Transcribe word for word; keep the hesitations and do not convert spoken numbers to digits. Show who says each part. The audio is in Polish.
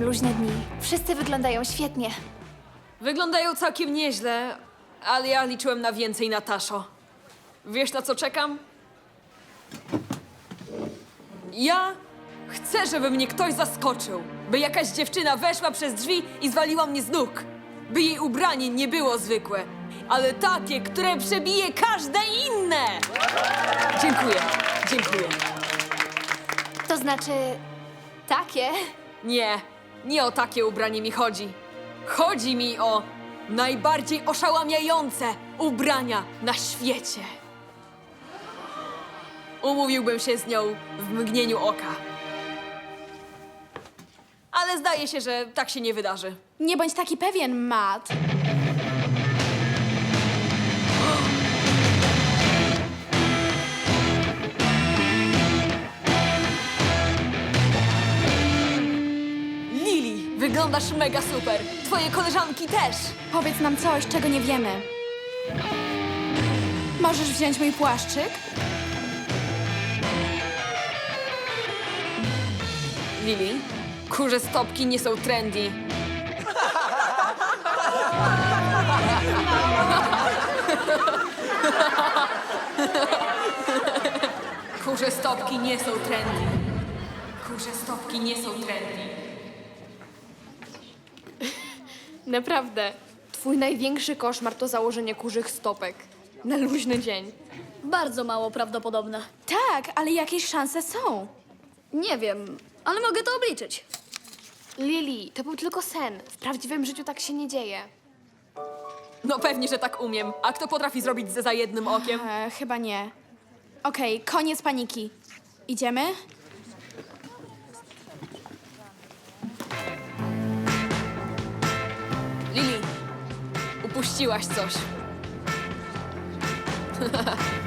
Speaker 1: luźne dni. Wszyscy wyglądają świetnie.
Speaker 2: Wyglądają całkiem nieźle, ale ja liczyłem na więcej, Nataszo. Wiesz, na co czekam? Ja chcę, żeby mnie ktoś zaskoczył. By jakaś dziewczyna weszła przez drzwi i zwaliła mnie z nóg. By jej ubranie nie było zwykłe, ale takie, które przebije każde inne. Dziękuję, dziękuję.
Speaker 1: To znaczy... takie?
Speaker 2: Nie, nie o takie ubranie mi chodzi. Chodzi mi o najbardziej oszałamiające ubrania na świecie. Umówiłbym się z nią w mgnieniu oka. Ale zdaje się, że tak się nie wydarzy.
Speaker 3: Nie bądź taki pewien, Matt.
Speaker 2: Lili, wyglądasz mega super. Twoje koleżanki też.
Speaker 3: Powiedz nam coś, czego nie wiemy. Możesz wziąć mój płaszczyk?
Speaker 2: Lili, kurze stopki nie są trendy. Kurze stopki nie są trendy. Kurze stopki nie są trendy.
Speaker 4: Naprawdę. Twój największy koszmar to założenie kurzych stopek. Na luźny dzień.
Speaker 5: Bardzo mało prawdopodobne.
Speaker 3: Tak, ale jakieś szanse są.
Speaker 5: Nie wiem, ale mogę to obliczyć.
Speaker 4: Lili, to był tylko sen. W prawdziwym życiu tak się nie dzieje.
Speaker 2: No pewnie, że tak umiem. A kto potrafi zrobić ze za jednym okiem?
Speaker 3: E, chyba nie. Okej, koniec paniki. Idziemy?
Speaker 2: Lili, upuściłaś coś.